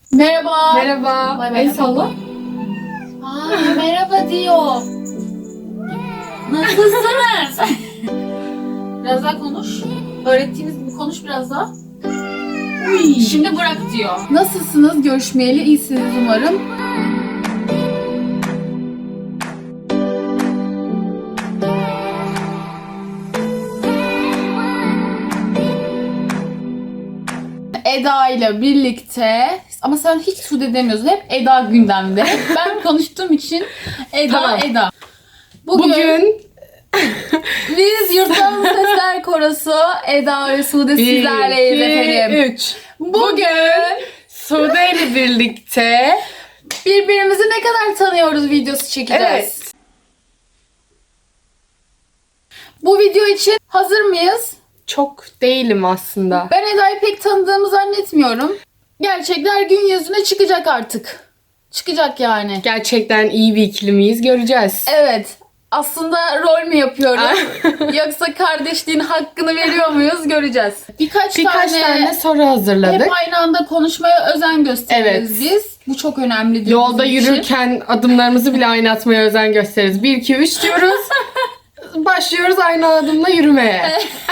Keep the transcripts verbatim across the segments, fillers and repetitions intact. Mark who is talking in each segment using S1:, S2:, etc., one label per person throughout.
S1: Merhaba.
S2: Merhaba.
S1: Bay bay.
S2: El salla.
S1: Aa, merhaba diyor. Nasılsınız? Biraz daha konuş. Öğrettiğimiz gibi konuş biraz daha. Uy. Şimdi bırak diyor.
S2: Nasılsınız? Görüşmeyeli iyisiniz umarım. Eda ile birlikte ama sen hiç Sude demiyorsun. Hep Eda gündemde. Ben konuştuğum için Eda
S1: Tamam.
S2: Eda. Bugün,
S3: Bugün
S2: biz Yurttan Sesler Korosu Eda ve Sude sizlerleyiz efendim.
S3: üç. Bugün Sude ile birlikte
S2: Birbirimizi ne kadar tanıyoruz videosu çekeceğiz.
S3: evet.
S2: Bu video için hazır mıyız?
S3: Çok değilim aslında.
S2: Ben Eda'yı pek tanıdığımı zannetmiyorum. Gerçekler gün yüzüne çıkacak artık. Çıkacak yani.
S3: Gerçekten iyi bir ikili miyiz göreceğiz.
S2: Evet. Aslında rol mü yapıyoruz? Yoksa kardeşliğin hakkını veriyor muyuz? Göreceğiz. Birkaç,
S3: Birkaç
S2: tane,
S3: tane soru hazırladık.
S2: hep aynı anda konuşmaya özen gösteririz
S3: Evet.
S2: biz. Bu çok önemli.
S3: Yolda
S2: bizim için.
S3: yürürken adımlarımızı bile aynı atmaya özen gösteririz. bir iki üç diyoruz. Başlıyoruz aynı adımla yürümeye.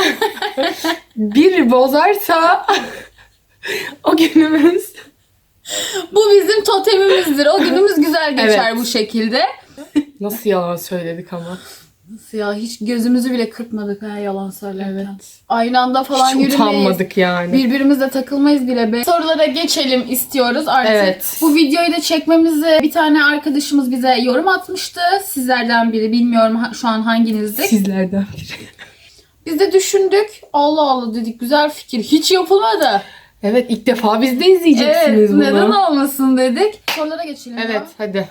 S3: Biri bozarsa o günümüz.
S2: Bu bizim totemimizdir. O günümüz güzel geçer
S3: Evet.
S2: bu şekilde.
S3: Nasıl yalan söyledik ama.
S2: Nasıl ya? Hiç gözümüzü bile kırpmadık ha yalan söylerken.
S3: Evet.
S2: Aynı anda falan
S3: Hiç
S2: yürümeyiz.
S3: utanmadık yani.
S2: Birbirimizle takılmayız bile be. Sorulara geçelim istiyoruz artık.
S3: Evet.
S2: Bu videoyu da çekmemizi bir tane arkadaşımız bize yorum atmıştı. Sizlerden biri, bilmiyorum ha- şu an hanginizdik.
S3: Sizlerden biri.
S2: Biz de düşündük. Allah Allah dedik, güzel fikir. Hiç yapılmadı.
S3: Evet, ilk defa biz de izleyeceksiniz
S2: Evet,
S3: bunu.
S2: neden olmasın dedik. Sorulara geçelim.
S3: Evet,
S2: ya.
S3: hadi.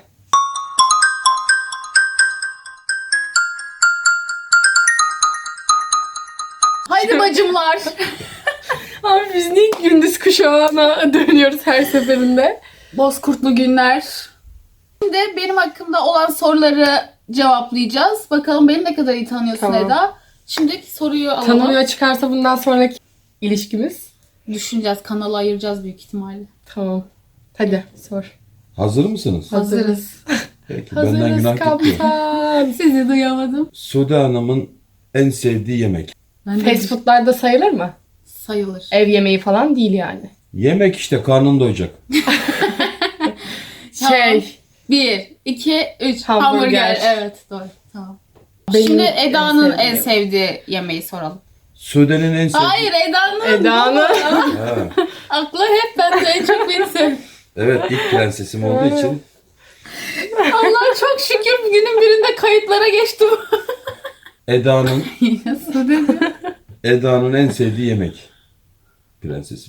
S2: Haydi bacımlar.
S3: Abi biz niye gündüz kuşağına dönüyoruz her seferinde?
S2: Bozkurtlu günler. Şimdi benim hakkımda olan soruları cevaplayacağız. Bakalım beni ne kadar iyi tanıyorsun
S3: Tamam.
S2: Eda. Şimdiki soruyu alalım.
S3: Tanımıyor çıkarsa bundan sonraki ilişkimiz.
S2: Düşüneceğiz. Kanalı ayıracağız büyük ihtimalle.
S3: Tamam. Hadi sor.
S4: Hazır mısınız?
S2: Hazırız.
S4: Peki benden
S3: Hazırız
S4: günah gitti.
S3: kaptan.
S2: Sizi duyamadım.
S4: Sude Hanım'ın en sevdiği yemek.
S2: Ben de
S3: Fast food'larda sayılır mı?
S2: sayılır.
S3: Ev yemeği falan değil yani.
S4: Yemek işte, karnın doyacak.
S2: Tamam.
S3: Şey.
S2: Bir, iki, üç.
S3: Hamburger.
S2: Hamburger. Evet doğru. Tamam.
S3: Benim
S2: Şimdi
S3: en
S2: Eda'nın en
S3: sevdiğim.
S2: sevdiği yemeği soralım.
S4: Sude'nin en sevdiği...
S2: Hayır Eda'nın.
S3: Eda'nın.
S4: Ha,
S2: Aklı hep bende, en çok beni sev.
S4: evet, ilk prensesim olduğu için
S2: Allah çok şükür günün birinde kayıtlara geçtim.
S4: Eda'nın
S2: Nasıl dedi?
S4: Eda'nın en sevdiği yemek. Prensesim.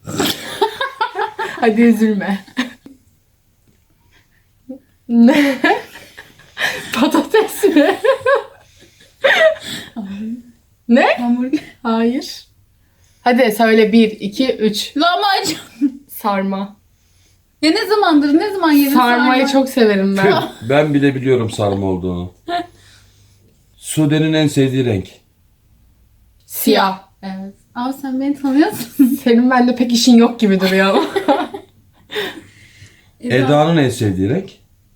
S3: Hadi üzülme. Ne? Patates mi? Ne?
S2: Hamburger.
S3: Hayır. Hadi söyle bir, iki, üç.
S2: Lahmacun.
S3: Sarma.
S2: Ya ne zamandır, ne zaman yedin
S3: Sarmayı
S2: sarma?
S3: çok severim ben.
S4: Tüh, ben bile biliyorum sarma olduğunu. Sude'nin en sevdiği renk.
S3: Siyah.
S2: Evet. Abi sen beni tanıyorsun.
S3: Senin bende pek işin yok gibi duruyor ama.
S4: Eda'nın en sevdiği renk.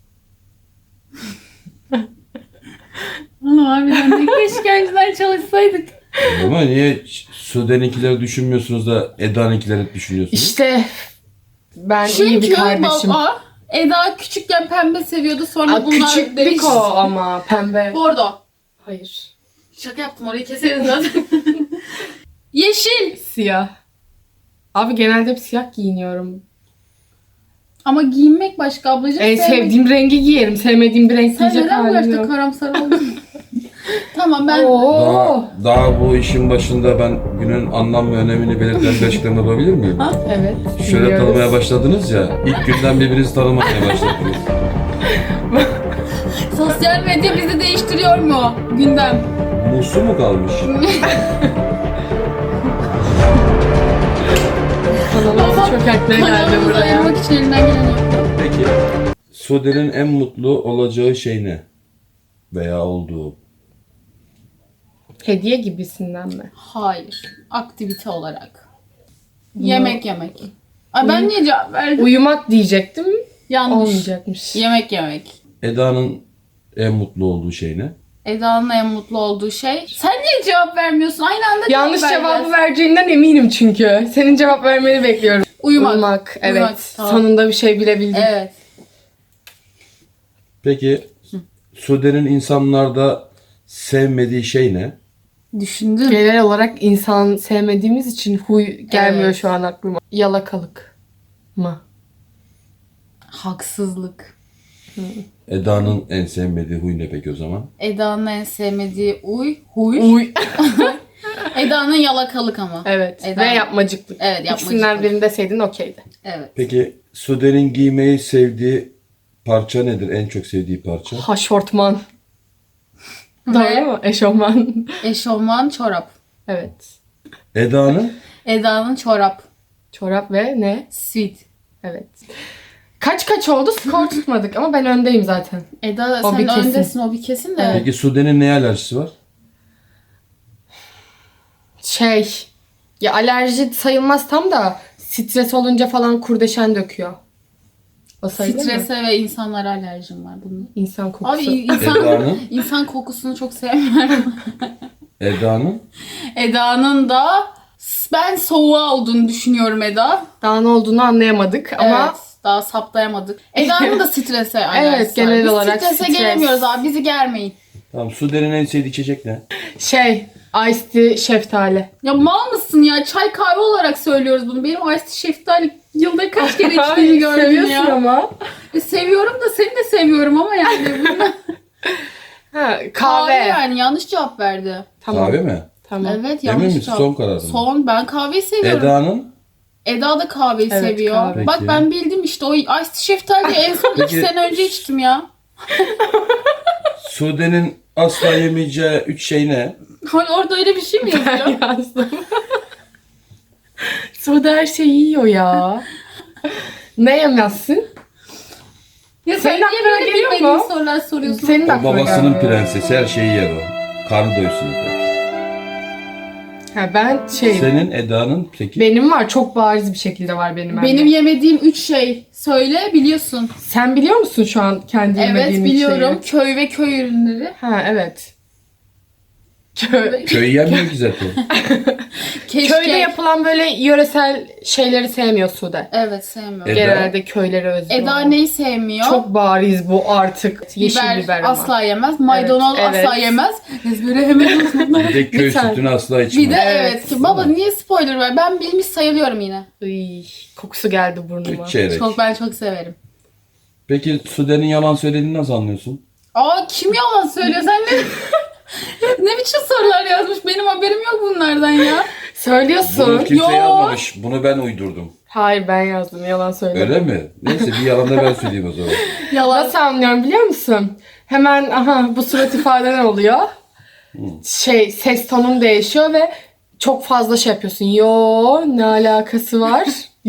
S2: Oğlum harbiden de keşke önceden çalışsaydık.
S4: Ama niye Sude'ninkileri düşünmüyorsunuz da Eda'nınkileri düşünüyorsunuz?
S3: İşte ben iyi bir
S2: Çünkü
S3: kardeşim.
S2: baba Eda küçükken pembe seviyordu, sonra
S3: Aa,
S2: bunlar
S3: küçüklük
S2: değişti.
S3: o ama pembe.
S2: Bordo.
S3: Hayır.
S2: Şaka yaptım, orayı keseriz zaten. Yeşil.
S3: Siyah. Abi genelde hep siyah giyiniyorum.
S2: Ama giyinmek başka ablacığım.
S3: En
S2: sevmek-
S3: sevdiğim rengi giyerim. Sevmediğim bir renk
S2: Sen
S3: giyecek
S2: neden bu
S3: halim
S2: yaşta
S3: yok.
S2: karamsar oldun? Tamam ben...
S3: Oo.
S4: Daha, daha bu işin başında ben günün anlam ve önemini belirten bir açıklama yapabilir miyim?
S3: Evet.
S4: Şöyle
S3: biliyoruz.
S4: tanımaya başladınız ya, ilk günden birbirinizi tanımaya başladınız.
S2: Sosyal medya bizi değiştiriyor mu? Gündem.
S4: Musu mu kalmış?
S3: Kanalımızı çökertmeye geldi
S2: Kanalımızı
S3: buraya.
S2: ayırmak için elinden geleni yapıyor.
S4: Peki, Sude'nin en mutlu olacağı şey ne? Veya olduğu?
S3: Hediye gibisinden mi?
S2: Hayır. Aktivite olarak. Yemek yemek. Ay ben niye cevap verdim?
S3: Uyumak diyecektim.
S2: Yanlış.
S3: Olmayacakmış.
S2: Yemek yemek.
S4: Eda'nın en mutlu olduğu şey ne?
S2: Eda'nın en mutlu olduğu şey. Sen niye cevap vermiyorsun? Aynı anda
S3: Yanlış
S2: cevap
S3: cevabı
S2: vereceğiz.
S3: vereceğinden eminim çünkü. Senin cevap vermeni bekliyorum.
S2: Uyumak.
S3: Uyumak. Evet.
S2: Uyumak, tamam.
S3: Sonunda bir şey bilebildim.
S2: Evet.
S4: Peki Sude'nin insanlarda sevmediği şey ne?
S2: Düşündüm.
S3: Genel olarak insan sevmediğimiz için huy gelmiyor
S2: Evet.
S3: şu an aklıma. Yalakalık mı?
S2: Haksızlık.
S4: Eda'nın en sevmediği huy ne peki o zaman?
S2: Eda'nın en sevmediği uy. Huy.
S3: Uy.
S2: Eda'nın yalakalık ama.
S3: Evet.
S2: Eda-
S3: Ve yapmacıklık.
S2: Evet, yapmacıklık.
S3: İkisinden birini deseydin okeydi.
S2: Evet.
S4: Peki Sude'nin giymeyi sevdiği parça nedir? En çok sevdiği parça?
S3: Haşortman.
S2: Ve
S3: Doğru mu? Eşofman.
S2: eşofman çorap.
S3: Evet.
S4: Eda'nın?
S2: Eda'nın çorap.
S3: Çorap ve ne?
S2: Sweet.
S3: Evet. Kaç kaç oldu? Skor tutmadık ama ben öndeyim zaten.
S2: Eda
S3: O
S2: sen
S3: bir kesin.
S2: öndesin, o bir kesin de.
S4: Peki Sude'nin neye alerjisi var?
S3: Şey, ya alerji sayılmaz tam da stres olunca falan kurdeşen döküyor. O sayılır mı?
S2: Strese ve insanlara alerjim var bunun.
S3: İnsan kokusu.
S2: Abi insan,
S4: Eda'nın?
S2: insan kokusunu çok sevmiyorum.
S4: Eda'nın?
S2: Eda'nın da ben soğuğa olduğunu düşünüyorum Eda.
S3: Daha ne olduğunu anlayamadık ama
S2: Evet, daha saptayamadık. Eda'nın da strese alerjisi
S3: Evet,
S2: var.
S3: genel
S2: Biz
S3: olarak
S2: strese
S3: stres.
S2: gelemiyoruz abi, bizi germeyin.
S4: Tamam, Sude'nin en sevdiği içecek ne?
S3: şey, iced tea şeftali.
S2: Ya mal mısın ya? Çay kahve olarak söylüyoruz bunu. Benim iced tea şeftali yılda kaç kere içtiğimi gördüm
S3: Seviyorsun
S2: ya.
S3: ama.
S2: E, seviyorum da seni de seviyorum ama yani. Bunu...
S3: Ha, kahve.
S2: kahve yani, yanlış cevap verdi.
S3: Tamam.
S4: Kahve mi?
S3: Tamam.
S2: Evet,
S4: Emin
S2: yanlış
S4: misin?
S2: cevap.
S4: Son kararın mı?
S2: Son, ben kahveyi seviyorum.
S4: Eda'nın?
S2: Eda da kahveyi
S3: Evet,
S2: seviyor.
S3: kahve.
S2: Bak
S4: Peki.
S2: ben bildim işte, o iced tea şeftali en son iki
S4: Peki.
S2: sene önce içtim ya.
S4: Sude'nin asla yemeyeceği üç şey ne?
S2: Hani orada öyle bir şey mi yazıyor?
S3: Yazdım. Suda her şeyi yiyor ya. Ne yemezsin?
S2: Ya sen
S3: Senin
S2: niye
S3: aklına
S2: böyle
S3: geliyor
S2: bilmediğin
S3: mu?
S2: sorular soruyorsun?
S3: Senin
S4: O
S3: aklına
S4: babasının
S3: gelmiyor.
S4: prensesi, her şeyi yer o. Karnı doysun yeter.
S3: Ha, ben şey,
S4: Senin Eda'nın peki?
S3: benim var, çok bariz bir şekilde var benim.
S2: Benim
S3: bende.
S2: yemediğim üç şey. Söyle, biliyorsun.
S3: Sen biliyor musun şu an kendi
S2: Evet,
S3: yemediğin üç
S2: biliyorum.
S3: şeyi?
S2: Köy ve köy ürünleri.
S3: Ha, evet. Kö-
S4: Köy yenmiyor ki zaten.
S2: Keşke.
S3: Köyde yapılan böyle yöresel şeyleri sevmiyor Sude.
S2: Evet, sevmiyorum.
S4: Eda?
S3: Genelde köylere özgü.
S2: Eda
S3: olan.
S2: neyi sevmiyor?
S3: Çok bariz bu artık. Yeşil biber, ama.
S2: asla yemez. Maydanoz
S3: Evet,
S2: asla
S3: evet.
S2: yemez. Ezbere hemen unutma.
S4: Bir de köy
S3: Bir tane.
S4: sütünü asla içmez.
S2: Bir de evet.
S3: Evet.
S2: ki baba niye spoiler ver? Ben bilmiş sayılıyorum yine.
S3: Iy, kokusu geldi burnuma.
S4: Üç çeyrek.
S2: Çok, ben çok severim.
S4: Peki Sude'nin yalan söylediğini nasıl anlıyorsun?
S2: Aa, kim yalan söylüyor? Sen ne ne biçim sorular yazmış? Benim haberim yok bunlardan ya.
S3: Söylüyorsun.
S4: Bunu kimse
S2: Yo.
S4: yazmamış. Bunu ben uydurdum.
S3: Hayır, ben yazdım, yalan söyledim.
S4: Öyle mi? Neyse, bir yalan da ben söyleyeyim o zaman.
S2: Yalan.
S3: Nasıl anlıyorum biliyor musun? Hemen aha bu surat ifaden oluyor. Şey, ses tonun değişiyor ve çok fazla şey yapıyorsun. Yo, ne alakası var?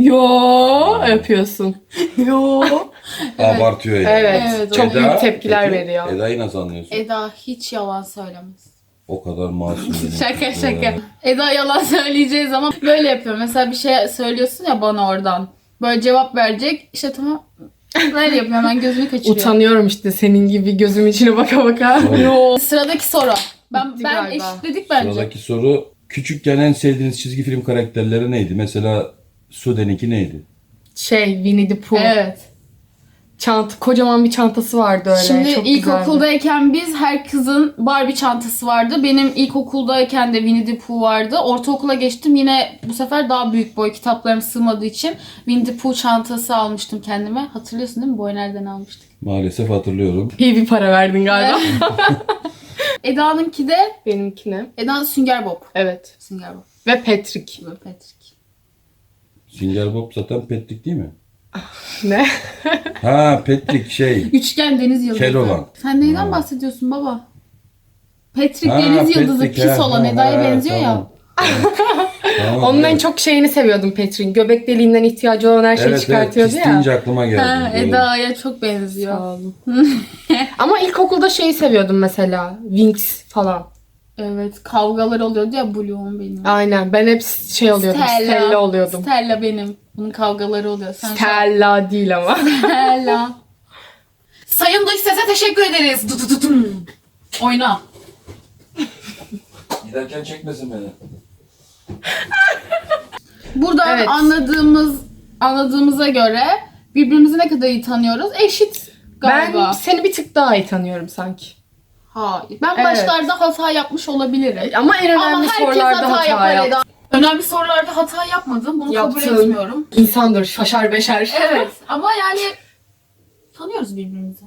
S3: Yo yapıyorsun. Yo.
S4: Abartıyor yani.
S3: Evet,
S2: Evet,
S3: çok
S2: Eda,
S3: büyük tepkiler
S4: peki,
S3: veriyor.
S4: Eda'yı nasıl anlıyorsun?
S2: Eda hiç yalan söylemez.
S4: O kadar masum benim.
S2: Şaka şaka.
S4: Ee,
S2: Eda yalan söyleyeceği zaman böyle yapıyor. Mesela bir şey söylüyorsun ya bana oradan. Böyle cevap verecek. İşte tamam. Böyle yapıyor, hemen gözünü kaçırıyor.
S3: Utanıyorum işte senin gibi gözüm içine baka baka.
S4: Doğru.
S3: Yo.
S2: Sıradaki soru. Ben
S3: Bitti
S2: ben
S3: galiba.
S2: eşitledik bence.
S4: Sıradaki soru. Küçükken en sevdiğiniz çizgi film karakterleri neydi? Mesela Sude'ninki neydi?
S3: Şey, Winnie the Pooh.
S2: Evet.
S3: Çanta, kocaman bir çantası vardı öyle.
S2: Şimdi
S3: çok
S2: ilkokuldayken biz, her kızın Barbie çantası vardı. Benim ilkokuldayken de Winnie the Pooh vardı. Ortaokula geçtim, yine bu sefer daha büyük boy, kitaplarım sığmadığı için Winnie the Pooh çantası almıştım kendime. Hatırlıyorsun değil mi? Boy nereden almıştık?
S4: Maalesef hatırlıyorum.
S3: İyi bir para verdin galiba.
S2: Eda'nınki de
S3: Benimki ne?
S2: Eda Sünger Bob.
S3: Evet.
S2: Sünger Bob.
S3: Ve Patrick.
S2: Ve Patrick.
S4: Sünger Bob zaten Patrick değil mi?
S3: Ne?
S4: Ha, Patrick şey.
S2: Üçgen deniz yıldızı.
S4: Kel olan.
S2: Sen neyden
S4: Ha.
S2: bahsediyorsun baba? Patrick
S4: Ha,
S2: deniz yıldızı,
S4: Patrick,
S2: pis
S4: ha,
S2: olan,
S4: ha,
S2: Eda'ya
S4: ha,
S2: benziyor ya.
S4: tamam. Tamam,
S3: Onun en
S4: evet.
S3: çok şeyini seviyordum Patrick'in. Göbek deliğinden ihtiyacı olan her şeyi
S4: Evet, evet,
S3: çıkartıyordu
S4: pis
S3: ya.
S4: deyince aklıma geldi.
S2: Ha,
S4: Doğru.
S2: Eda'ya çok benziyor.
S3: Sağ olun. Ama ilkokulda şeyi seviyordum mesela. Winx falan.
S2: Evet, kavgalar oluyordu ya, Bloom benim.
S3: Aynen. Ben hep şey oluyordum. Stella, oluyordum.
S2: Stella benim. Bunun kavgaları oluyor. Sen
S3: Stella değil ama.
S2: Stella.
S1: Sayın dış sese teşekkür ederiz. Tutututum. Oyna.
S4: Giderken çekmesin beni.
S2: Burada
S3: Evet.
S2: anladığımız anladığımıza göre birbirimizi ne kadar iyi tanıyoruz? Eşit galiba.
S3: Ben seni bir tık daha iyi tanıyorum sanki.
S2: Hayır. Ben
S3: Evet.
S2: başlarda hata yapmış olabilirim.
S3: Ama en önemli
S2: Ama herkes
S3: sorularda
S2: hata,
S3: hata,
S2: yapar
S3: yap.
S2: Eda.
S1: Önemli sorularda hata yapmadım. Bunu kabul
S3: Yaptın.
S1: etmiyorum.
S3: İnsandır, şaşar beşer.
S1: Evet ama yani tanıyoruz birbirimizi.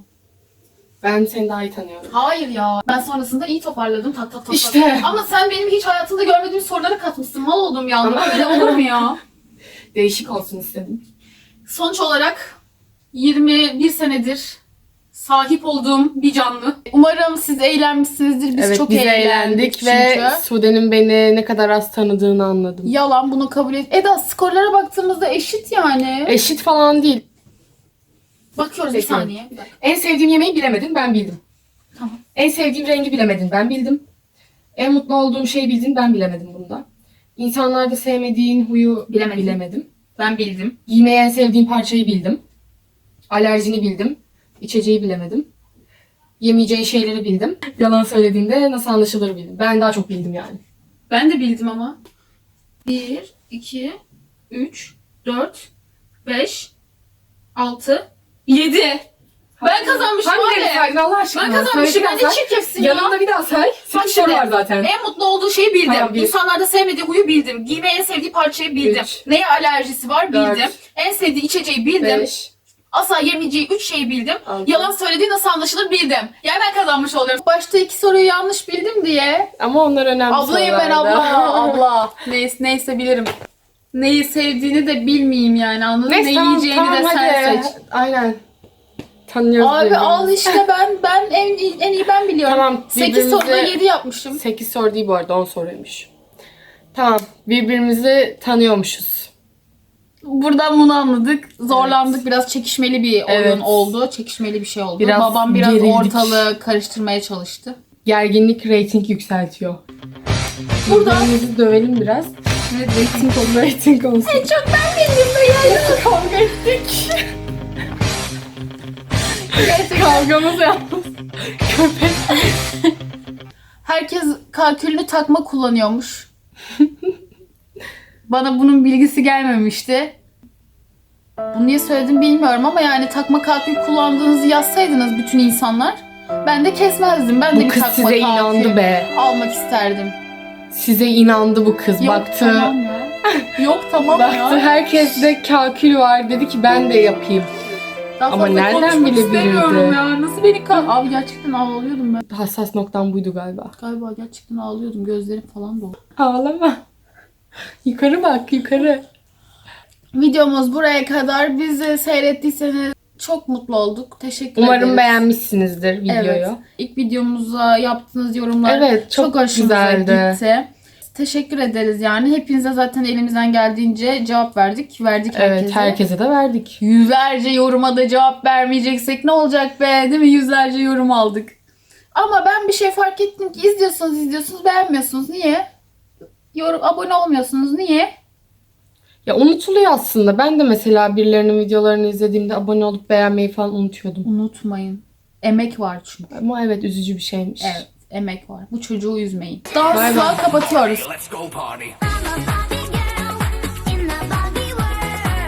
S3: Ben seni daha iyi tanıyorum.
S1: Hayır ya. Ben sonrasında iyi toparladım. Tak tak tak.
S3: İşte.
S1: tak. Ama sen benim hiç hayatımda görmediğim soruları katmışsın. Mal oldum ya.
S3: Ama-
S1: Böyle olur mu ya?
S3: Değişik olsun istedim.
S1: Sonuç olarak yirmi bir senedir sahip olduğum bir canlı.
S2: Umarım siz eğlenmişsinizdir. Biz
S3: evet,
S2: çok
S3: biz
S2: eğlendik,
S3: eğlendik
S2: çünkü.
S3: ve Sude'nin beni ne kadar az tanıdığını anladım.
S2: Yalan, bunu kabul et. Eda, skorlara baktığımızda eşit yani.
S3: Eşit falan değil.
S1: Bakıyoruz bir
S3: Peki.
S1: saniye. Bir dakika.
S3: En sevdiğim yemeği bilemedin, ben bildim.
S1: Tamam.
S3: En sevdiğim rengi bilemedin, ben bildim. En mutlu olduğum şeyi bildin, ben bilemedim bunda. İnsanlarda sevmediğin huyu
S1: Bilemedim.
S3: bilemedim.
S1: Ben bildim.
S3: Giymeyi en sevdiğin parçayı bildim. Alerjini bildim. İçeceği bilemedim. Yemeyeceğin şeyleri bildim. Yalan söylediğinde nasıl anlaşılır bildim. Ben daha çok bildim yani.
S1: Ben de bildim ama. bir, iki, üç, dört, beş, altı, yedi. Ben kazanmışım
S3: Hangileri
S1: abi.
S3: saydın Allah aşkına?
S1: Ben kazanmışım.
S3: Söyle
S1: Ben
S3: bir daha
S1: de
S3: say.
S1: çirkefsin ya.
S3: Yanında bir daha say.
S1: Bak
S3: Sekiz soru
S1: şimdi.
S3: var zaten.
S1: En mutlu olduğu şeyi bildim.
S3: Tamam, bir.
S1: İnsanlarda sevmediği huyu bildim. Giymeyi en sevdiği parçayı bildim.
S3: Üç.
S1: Neye alerjisi var
S3: Dört.
S1: bildim. En sevdiği içeceği bildim.
S3: Beş.
S1: Asla yemeyeceği üç şeyi bildim.
S3: Altı.
S1: Yalan söylediği nasıl anlaşılır bildim. Yani ben kazanmış oluyorum.
S2: Başta iki soruyu yanlış bildim diye.
S3: Ama onlar önemli
S2: Ablayım ben
S3: sorulardı.
S2: abla. Abla. Neyse, neyse bilirim. Neyi sevdiğini de bilmeyeyim yani, anladın mı?
S3: Neyse
S2: Ne
S3: tamam,
S2: yiyeceğini
S3: tamam,
S2: de sen
S3: hadi.
S2: seç.
S3: Aynen. Tanıyoruz
S2: Abi
S3: birbirimizi.
S2: al işte, ben ben en, iyi- en iyi ben biliyorum.
S3: Tamam,
S2: sekiz
S3: birbirimize-
S2: soruda yedi yapmışım.
S3: sekiz soru değil bu arada, on soruymuş. Tamam, birbirimizi tanıyormuşuz.
S2: Buradan bunu anladık. Zorlandık. Biraz çekişmeli bir oyun
S3: Evet.
S2: oldu. Çekişmeli bir şey oldu.
S3: Biraz
S2: Babam biraz
S3: gerildik.
S2: ortalığı karıştırmaya çalıştı.
S3: Gerginlik reyting yükseltiyor.
S2: Burada-
S3: Birbirimizi dövelim biraz.
S2: Evet, rating oldu.
S3: Reyting olsun.
S2: Çok ben bildim de yani.
S3: Kavga ettik.
S2: Gerçekten.
S3: Kavgamız yalnız. Köpek.
S2: Herkes kalkülünü takma kullanıyormuş. Bana bunun bilgisi gelmemişti. Bunu niye söyledim bilmiyorum ama yani takma kalkül kullandığınızı yazsaydınız bütün insanlar, ben de kesmezdim. Ben de
S3: Bu
S2: bir
S3: kız
S2: takma
S3: size
S2: kalkül
S3: inandı be.
S2: almak isterdim.
S3: Size inandı bu kız.
S2: Yok
S3: Baktı.
S2: tamam ya. Yok tamam
S3: Baktı
S2: ya.
S3: herkeste kalkül var. Dedi ki ben de yapayım.
S2: Daha
S3: Ama
S2: fazla
S3: nereden
S2: konuşmak
S3: bilebilirdi?
S2: istemiyorum ya. Nasıl beni kal... Abi gerçekten ağlıyordum ben.
S3: Hassas noktam buydu galiba.
S2: Galiba gerçekten ağlıyordum. Gözlerim falan doldu.
S3: Ağlama. Yukarı bak, yukarı.
S2: Videomuz buraya kadar. Bizi seyrettiyseniz çok mutlu olduk. Teşekkür
S3: Umarım
S2: ederiz.
S3: beğenmişsinizdir videoyu.
S2: Evet. İlk videomuza yaptığınız yorumlar
S3: Evet, çok
S2: çok hoşumuza
S3: güzeldi.
S2: gitti. Teşekkür ederiz yani. Hepinize zaten elimizden geldiğince cevap verdik. Verdik
S3: Evet,
S2: herkese.
S3: herkese de verdik.
S2: Yüzlerce yoruma da cevap vermeyeceksek ne olacak be, değil mi? Yüzlerce yorum aldık. Ama ben bir şey fark ettim ki izliyorsunuz izliyorsunuz beğenmiyorsunuz. Niye? Yorum, abone olmuyorsunuz. Niye?
S3: Ya unutuluyor aslında. Ben de mesela birilerinin videolarını izlediğimde abone olup beğenmeyi falan unutuyordum.
S2: Unutmayın. Emek var çünkü.
S3: Ama evet, üzücü bir şeymiş.
S2: Evet, emek var. Bu çocuğu üzmeyin.
S3: Bay bay.
S2: Dansla kapatıyoruz.
S5: Let's go party.